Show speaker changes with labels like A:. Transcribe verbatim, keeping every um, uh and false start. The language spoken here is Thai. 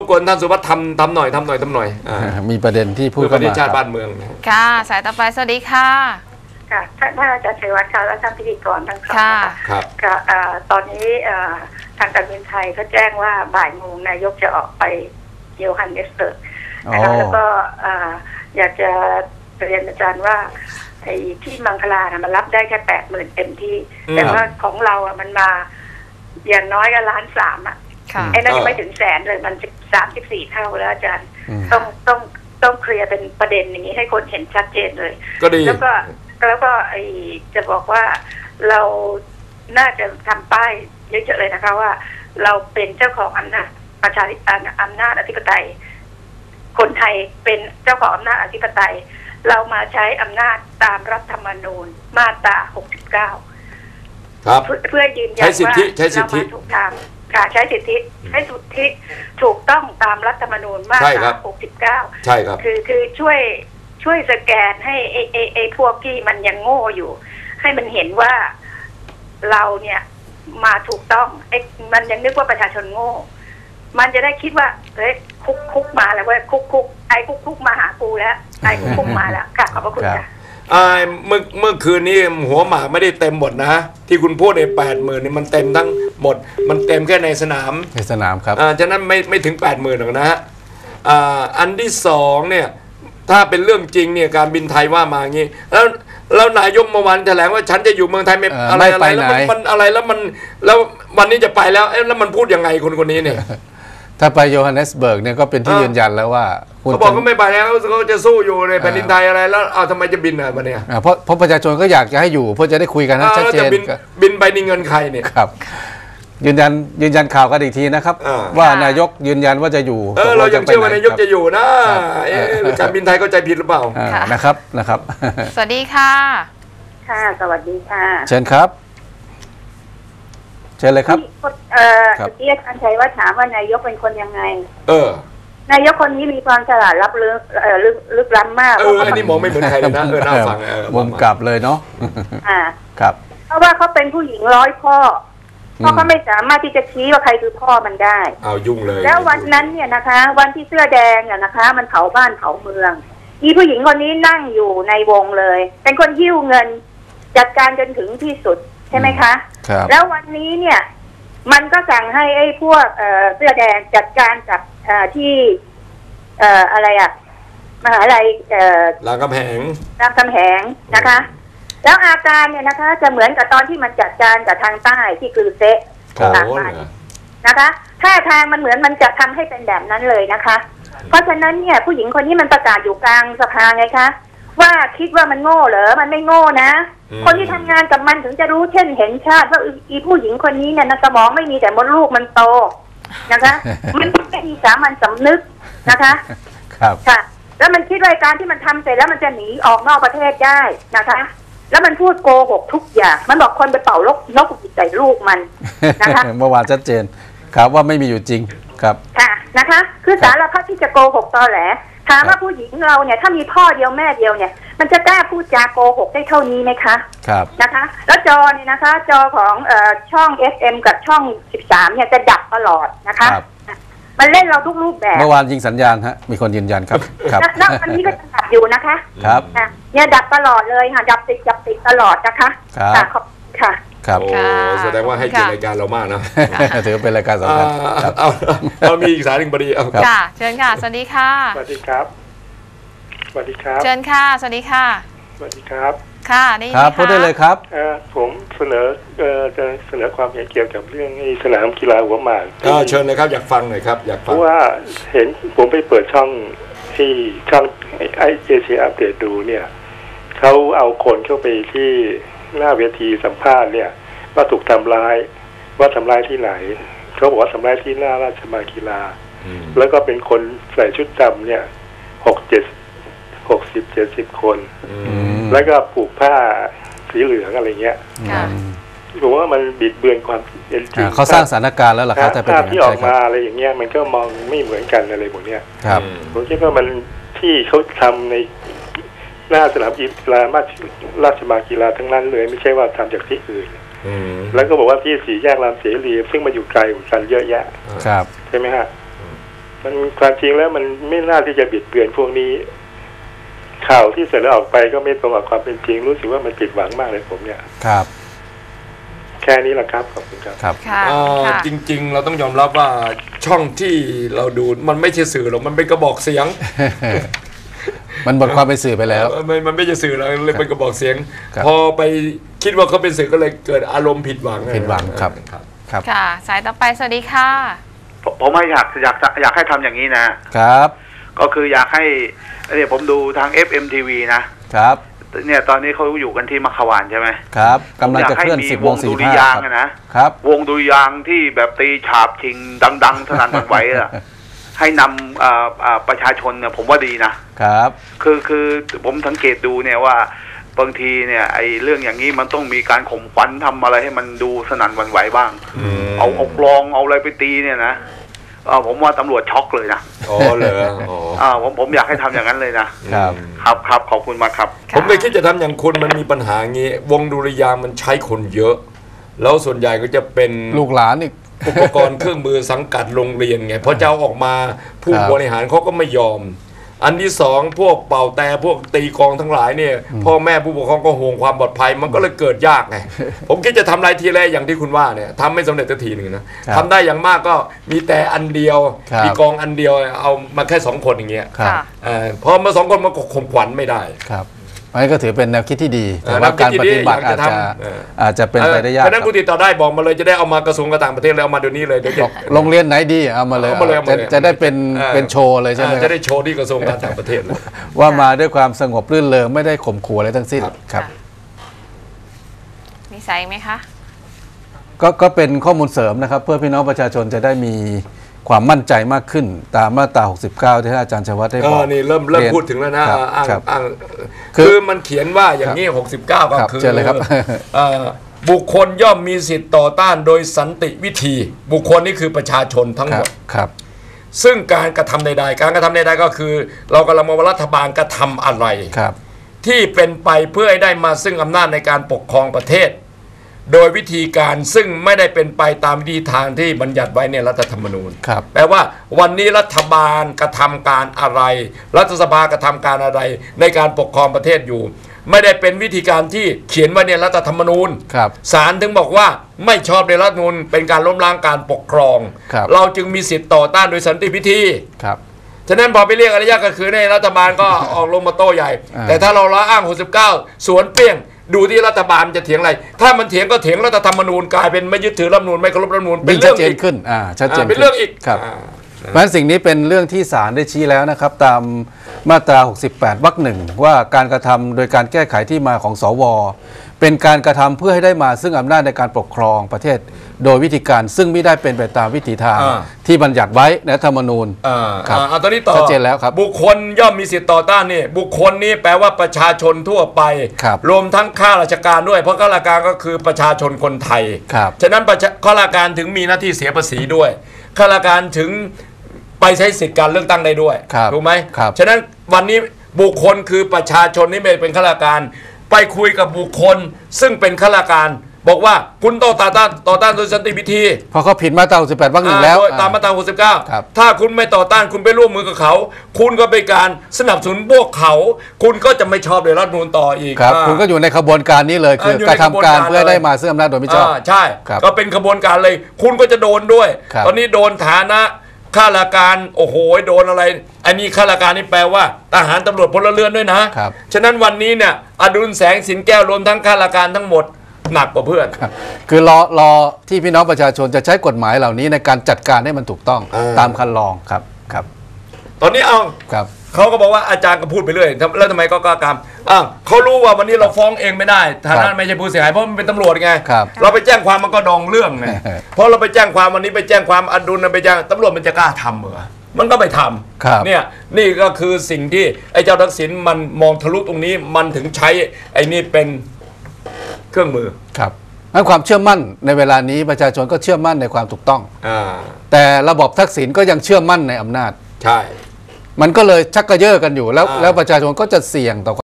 A: กวนท่านสุวัฒน์ทำทำหน่อยทำหน่อยทำหน่อย
B: มีประเด็นที่พูด
A: ประเด็นชาติบ้านเมือง
C: ค่ะสายต่อไปสวัสดีค่ะ
D: ค่ะท่านอาจารย์ชัยวัฒน์ค่ะและท่านพิธีกรทั้งสอง
C: ค่ะ
A: ครับ
D: ค่ะตอนนี้ทางการบินไทยเขาแจ้งว่าบ่ายโมงนายกจะออกไปโยฮันเนสเบิร์กนะคะแล้วก็อยากจะเรียนอาจารย์ว่าไอ้ที่มังคลานะมันรับได้แค่แปดหมื่นเต็มที่แต่ว่าของเราอ่ะมันมาอย่างน้อยก็ล้านสามอ่ะไอ้นั่นยังไม่ถึงแสนเลยมันสามสิบสี่เท่าแล้วอาจารย์ต้องต้องต้องเคลียร์เป็นประเด็นอย่างนี้ให้คนเห็นชัดเจนเลย
A: ก็ดี
D: แล้วก็แล้วก็ไอจะบอกว่าเราน่าจะทำป้ายเยอะๆเลยนะคะว่าเราเป็นเจ้าของอำนาจประชาธิปไตยอำนาจอธิปไตยคนไทยเป็นเจ้าของอำนาจอธิปไตยเรามาใช้อำนาจตามรัฐธรรมนูญมาตราหกสิบเก้า
A: ครับ
D: เพื่อยืนยันว่าเรามาถูกทางการใช้สิทธิให้สิทธิถูกต้องตามรัฐธรรมนูญมาตราหกสิบเก้า
A: ใช่ครับ
D: คือคือช่วยช่วยสแกนให้ไอ้ไอ้ไอ้พวกที่มันยังโง่อยู่ให้มันเห็นว่าเราเนี่ยมาถูกต้องไอ้มันยังนึกว่าประชาชนโง่มันจะได้คิดว่าเฮ้ยคุกคุกมาแล้วเว้ยคุกคุกไอ้คุกคุกมาหากูแล้วไอ้คุกคุกมาแล้วค่ะขอบพระคุณค่ะ
A: เมื่อเมื่อคืนนี้หัวหมากไม่ได้เต็มหมดนะที่คุณพูดในแปดหมื่นนี่มันเต็มทั้งหมดมันเต็มแค่ในสนาม
B: ในสนามครับ
A: อ่าฉะนั้นไม่ไม่ถึงแปดหมื่นหรอกนะฮะอ่าอันที่สองเนี่ยถ้าเป็นเรื่องจริงเนี่ยการบินไทยว่ามาอย่างนี้แล้วแล้วนายกเมื่อวานแถลงว่าฉันจะอยู่เมืองไทยไม่อะไรอะไรแล้วมันอะไรแล้วมันแล้ววันนี้จะไปแล้วแล้วมันพูดยังไงคนคนนี้เนี่ย
B: ถ้าไปโยฮันเนสเบิร์กเนี่ยก็เป็นที่ยืนยันแล้วว่า
A: เขาบอกก็ไม่ไปแล้วเขาจะสู้อยู่ในแผ่นดินไทยอะไรแล้วเอาทำไมจะบินอ่ะวันนี้
B: เพราะเพราะประชาชนก็อยากจะให้อยู่เพื่อจะได้คุยกันชัดเจน
A: บินไปนี่เงินใครเนี่ย
B: ครับยืนยันยืนยันข่าวกันอีกทีนะครับว่านายกยืนยันว่าจะอยู่
A: เออเรายังเชื่อว่านายกจะอยู่นะการบินไทยเข้าใจผิดหรือเปล่า
B: นะครับนะครับ
C: สวัสดีค่ะ
D: ค่ะสวัสดีค่ะ
B: เชิญครับเชิญเลยครับ
D: เออเมื่อกี้อาจารย์ชัยว่าถามว่านายกเป็นคนยังไง
A: เออน
D: ายกคนนี้มีความฉลาดลับลึกเออลึกลึกล้ำมาก
A: เอออันนี้มองไม่เหมือนใครเลยนะเออน่าฟังเออ
B: มุมกลับเลยเนาะ
D: อ่า
B: ครับ
D: เพราะว่าเขาเป็นผู้หญิงร้อยพ่อเพราะเขาไม่สามารถที่จะชี้ว่าใครคือพ่อมันได้
A: เอายุ่งเลย
D: แล้ววันนั้นเนี่ยนะคะวันที่เสื้อแดงเนี่ยนะคะมันเผาบ้านเผาเมืองอีผู้หญิงคนนี้นั่งอยู่ในวงเลยเป็นคนหิ้วเงินจัดการจนถึงที่สุดใช่ไหมคะแล้ววันนี้เนี่ยมันก็สั่งให้ไอ้พวกเอ่อเสื้อแดงจัดการกับเอ่อที่เอ่ออะไรอ่ะมหาลัยเอ่อ
A: รามคำแหง
D: รามคำแหงนะคะแล้วอาการเนี่ยนะคะจะเหมือนกับตอนที่มันจัดการกับทางใต้ที่คือเซะต่างกันนะคะท่าทางมันเหมือนมันจะทำให้เป็นแบบนั้นเลยนะคะเพราะฉะนั้นเนี่ยผู้หญิงคนนี้มันประกาศอยู่กลางสภาไงคะว่าคิดว่ามันโง่เหรอมันไม่โง่นะคนที่ทำงานกับมันถึงจะรู้เช่นเห็นชาติว่าอีผู้หญิงคนนี้เนี่ยสมองไม่มีแต่มดลูกมันโตนะคะมันไม่มีสามัญสำนึกนะคะ
B: ครับ
D: ค่ะแล้วมันคิดว่าการที่มันทำเสร็จแล้วมันจะหนีออกนอกประเทศได้นะคะแล้วมันพูดโกหกทุกอย่างมันบอกคนไปเป่าลกนกใส่ลูกมันนะคะ
B: เมื่อวานชัดเจนครับว่าไม่มีอยู่จริงครับ
D: ค่ะนะคะคือสารพัดที่จะโกหกตอแหลถามว่าผู้หญิงเราเนี่ยถ้ามีพ่อเดียวแม่เดียวเนี่ยมันจะกล้าพูดจาโกหกได้เท่านี้ไหมคะ
B: ครับ
D: นะคะแล้วจอเนี่ยนะคะจอของเอ่อช่อง เอส เอ็ม กับช่องสิบสามเนี่ยจะดับตลอดนะคะมันเล่นเราทุกรูปแบบ
B: เมื่อวานยิงสัญญาณฮะมีคนยืนยันครับครับ
D: แล้วอันนี้ก็จะดับอยู่นะคะ
B: ครับ
D: เนี่ยดับตลอดเลยค่ะดับติดดับติดตลอดนะคะ
B: ครับ
D: ขอบค่ะ
B: ครับ
A: โอ้แสดงว่าให้เกียรติรายการเรามากนะ
B: ถือเป็นรายการสำคัญ
A: เอาเรามีอีกสายหนึ่งพอดีเอา
C: ค่ะเชิญค่ะสวัสดีค่ะ
E: สวัสดีครับสวัสดีครับ
C: เชิญค่ะสวัสดีค่ะ
E: สวัสดีครับ
C: ค่ะได้ยิน
B: ครับพูดได้เลยครับ
E: เออผมเสนอเอ่อจะเสนอความเห็นเกี่ยวกับเรื่องสนามกีฬาหัวหมาก
A: ก็เชิญเลยครับอยากฟังหน่อยครับอยากฟัง
E: เพราะว่าเห็นผมไปเปิดช่องที่ช่องไอเอเชียอัปเดตดูเนี่ยเขาเอาคนเข้าไปที่หน้าเวทีสัมภาษณ์เนี่ยว่าถูกทำร้ายว่าทำร้ายที่ไหนเขาบอกว่าทำร้ายที่หน้าราชมังคลาแล้วก็เป็นคนใส่ชุดดำเนี่ยหกเจ็ดหกสิบเจ็ดสิบคนแล้วก็ผูกผ้าสีเหลืองอะไรเงี้ยผมว่ามันบิดเบือนความเป็นจริง
B: เขาสร้างสถานการณ์แล้วหรอครับแต่
E: ภาพที่ออกมาอะไรอย่างเงี้ยมันก็มองไม่เหมือนกันอะไรพวกเนี้ยผมคิดว่ามันที่เขาทำในหน้าสนามกีฬาราชมังคลาทั้งนั้นเลยไม่ใช่ว่าทำจากที่อื่นแล้วก็บอกว่าที่สี่แยกรามเสรีซึ่งมาอยู่ไกลกันเยอะแยะ
B: ครับ
E: ใช่ไหมฮะมันความจริงแล้วมันไม่น่าที่จะบิดเบือนพวกนี้ข่าวที่เสนอออกไปก็ไม่ตรงกับความเป็นจริงรู้สึกว่ามันผิดหวังมากเลยผมเนี่ย
B: ครับ
E: แค่นี้แหละครับขอบคุณครับ
B: ครับ
A: จริงๆเราต้องยอมรับว่าช่องที่เราดูมันไม่ใช่สื่อหรอกมันเป็นกระบอกเสียง
B: มันหมดความเป็นสื่อไปแล้ว
A: มันมันไม่ใช่สื่อแล้วเลยเป็นกระบอกเสียงพอไปคิดว่าเขาเป็นสื่อก็เลยเกิดอารมณ์ผิดหวัง
B: ผิดหวังครับ
C: ครับค่ะสายต่อไปสวัสดีค่ะ
F: ผมไม่อยากอยากอยากให้ทำอย่างนี้นะครับก็คืออยากให้เนี่ยผมดูทาง เอฟ เอ็ม ที วี นะครับเนี่ยตอนนี้เขาอยู่กันที่มัขวานใช่ไหม
B: ครับกำลังจะเคลื่อนสิบโมงสี่สิบห้าครับ
F: นะครับวงดุริยางค์ที่แบบตีฉาบชิงดังๆสนั่นหวั่นไหวอะให้นำประชาชนเนี่ยผมว่าดีนะครับคือคือผมสังเกตดูเนี่ยว่าบางทีเนี่ยไอ้เรื่องอย่างนี้มันต้องมีการข่มขวัญทำอะไรให้มันดูสนั่นหวั่นไหวบ้างเอาเอากลองเอาอะไรไปตีเนี่ยนะผมว่าตำรวจช็อกเลยนะ
A: อ๋อเลย
F: อ่าผมผมอยากให้ทำอย่างนั้นเลยนะครับครับครับขอบคุณมากครับ
A: ผมเลยคิดจะทำอย่างคุณมันมีปัญหางี้วงดุริยางค์มันใช้คนเยอะแล้วส่วนใหญ่ก็จะเป็น
B: ลูกหลานอีก
A: อุปกรณ์เครื่องมือสังกัดโรงเรียนไงพอเจ้าออกมาผู้บริหารเขาก็ไม่ยอมอันที่สองพวกเป่าแต่พวกตีกองทั้งหลายเนี่ยพ่อแม่ผู้ปกครองก็ห่วงความปลอดภัยมันก็เลยเกิดยากไงผมคิดจะทำอะไรทีแรกอย่างที่คุณว่าเนี่ยทำไม่สำเร็จสักทีหนึ่งนะทำได้อย่างมากก็มีแต่อันเดียวมีกองอันเดียวเอามาแค่สองคนอย่างเงี้ยพอมาสองคนมันก็ข่มขวัญไม่ได้
B: ครับอันนี้ก็ถือเป็นแนวคิดที่ดีแต่ว่าการปฏิบัติอาจจะอาจจะเป็นไปได้ยาก
A: เพราะนั้นคุณติดต่อได้บอกมาเลยจะได้เอามากระทรวงการต่างประเทศแล้วเอามาเดี๋ยวนี้เลยเดี๋ยวจะ
B: โรงเรียนไหนดีเอามาเลยจะได้เป็นเป็นโชว์เลยใช่ไหม
A: จะได้โชว์ที่กระทรวงการต่างประเทศเลย
B: ว่ามาด้วยความสงบรื่นเริงไม่ได้ข่มขู่อะไรทั้งสิ้นครับ
C: มีสายไหมคะ
B: ก็ก็เป็นข้อมูลเสริมนะครับเพื่อพี่น้องประชาชนจะได้มีความมั่นใจมากขึ้นตามมาตราหกสิบเก้าที่อาจารย์ชวัฒน์ได้บอก
A: นี่เริ่มเริ่มพูดถึงแล้วนะอ้างอ้างคือมันเขียนว่าอย่างนี้หกสิบเก้าก็คือบุคคลย่อมมีสิทธิ์ต่อต้านโดยสันติวิธีบุคคลนี่คือประชาชนทั้งหมด
B: ครับ
A: ซึ่งการกระทำใดๆการกระทำใดๆก็คือเรากำลังมองว่ารัฐบาลกระทำอะไรที่เป็นไปเพื่อให้ได้มาซึ่งอำนาจในการปกครองประเทศโดยวิธีการซึ่งไม่ได้เป็นไปตามวิธีทางที่บัญญัติไว้ในรัฐธรรมนูญแปลว่าวันนี้รัฐบาลกระทำการอะไรรัฐสภากระทำการอะไรในการปกครองประเทศอยู่ไม่ได้เป็นวิธีการที่เขียนไว้ในรัฐธรรมนูญศาลถึงบอกว่าไม่ชอบในรัฐธรรมนูญเป็นการล้มล้างการปกครองเราจึงมีสิทธิ์ต่อต้านโดยสันติวิธีฉะนั้นพอไปเรียกอริยะก็คือในรัฐบาลก็ออกลงมาโต้ใหญ่แต่ถ้าเราละอ้างหกสิบเก้าสวนเปี้ยงดูที่รัฐบาลจะเถียงอะไรถ้ามันเถียงก็เถียงรัฐธรรมนูญกลายเป็นไม่ยึดถือรัฐธรรมนูญไม่เคารพรัฐธรรมนูญ
B: เป็นเรื่องชัดเจนขึ้นอ่าชัดเจน
A: เป็นเรื่องอีก
B: ครับเพราะฉะนั้นสิ่งนี้เป็นเรื่องที่ศาลได้ชี้แล้วนะครับตามมาตราหกสิบแปดวรรคหนึ่งว่าการกระทำโดยการแก้ไขที่มาของสวเป็นการกระทำเพื่อให้ได้มาซึ่งอำนาจในการปกครองประเทศโดยวิธีการซึ่งไม่ได้เป็นไปตามวิถีทางที่บัญญัติไว้ในรัฐธรรมนูญ
A: ครับตอนนี้ต่อ
B: ชัดเจนแล้วครับ
A: บุคคลย่อมมีสิทธิต่อต้านนี่บุคคลนี้แปลว่าประชาชนทั่วไปรวมทั้งข้าราชการด้วยเพราะข้าราชการก็คือประชาชนคนไทยฉะนั้นข้าราชการถึงมีหน้าที่เสียภาษีด้วยข้าราชการถึงไปใช้สิทธิการเลือกตั้งได้ด้วยถูกไหมฉะนั้นวันนี้บุคคลคือประชาชนนี่ไม่เป็นข้าราชการไปคุยกับบุคคลซึ่งเป็นข้าราชการบอกว่าคุณต้องต่อต้านต่อต้านโดยสันติวิธี
B: เพราะเขาผิดมาตราหกสิบแปดวรรคหนึ่งแล้ว
A: ตามมาตราหกสิบเก้าถ้าคุณไม่ต่อต้านคุณไปร่วมมือกับเขาคุณก็เป็นการสนับสนุนพวกเขาคุณก็จะไม่ชอบในรัฐธรรมนูญต่ออีก
B: ครับคุณก็อยู่ในขบวนการนี้เลยคือกระทำการเพื่อได้มาซึ่งอำนาจโดยมิชอบ
A: ใช่ก็เป็นขบวนการเลยคุณก็จะโดนด้วยตอนนี้โดนฐานะข้าราชการโอ้โหโดนอะไรอันนี้ข้าราชการนี่แปลว่าทหารตำรวจพลเรือนด้วยนะฉะนั้นวันนี้เนี่ยอดุลแสงสินแก้วรวมทั้งข้าราชการทั้งหมดหนักกว่าเพื่อน
B: คือรอรอที่พี่น้องประชาชนจะใช้กฎหมายเหล่านี้ในการจัดการให้มันถูกต้องตามคันลองครับครับ
A: ตอนนี้เอา
B: ครับ
A: เขาก็บอกว่าอาจารย์ก็พูดไปเรื่อยแล้วทำไมก็กล้ากรรมอ่ะเขารู้ว่าวันนี้เราฟ้องเองไม่ได้ฐานะไม่ใช่ผู้เสียหายเพราะมันเป็นตำรวจไงเราไปแจ้งความมันก็ดองเรื่องไงเพราะเราไปแจ้งความวันนี้ไปแจ้งความอดุลไปแจ้งตำรวจมันจะกล้าทำเหรอมันก็ไม่ทำเนี่ยนี่ก็คือสิ่งที่ไอ้เจ้าทักษิณมันมองทะลุตรงนี้มันถึงใช้ไอ้นี่เป็นเครื่องมือ
B: ครับให้ความเชื่อมั่นในเวลานี้ประชาชนก็เชื่อมั่นในความถูกต้องแต่ระบบทักษิณก็ยังเชื่อมั่นในอำนาจ
A: ใช่
B: มันก็เลยชักกระเยาะกันอยู่แล้วแล้วประชาชนก็จะเสี่ยงต่อ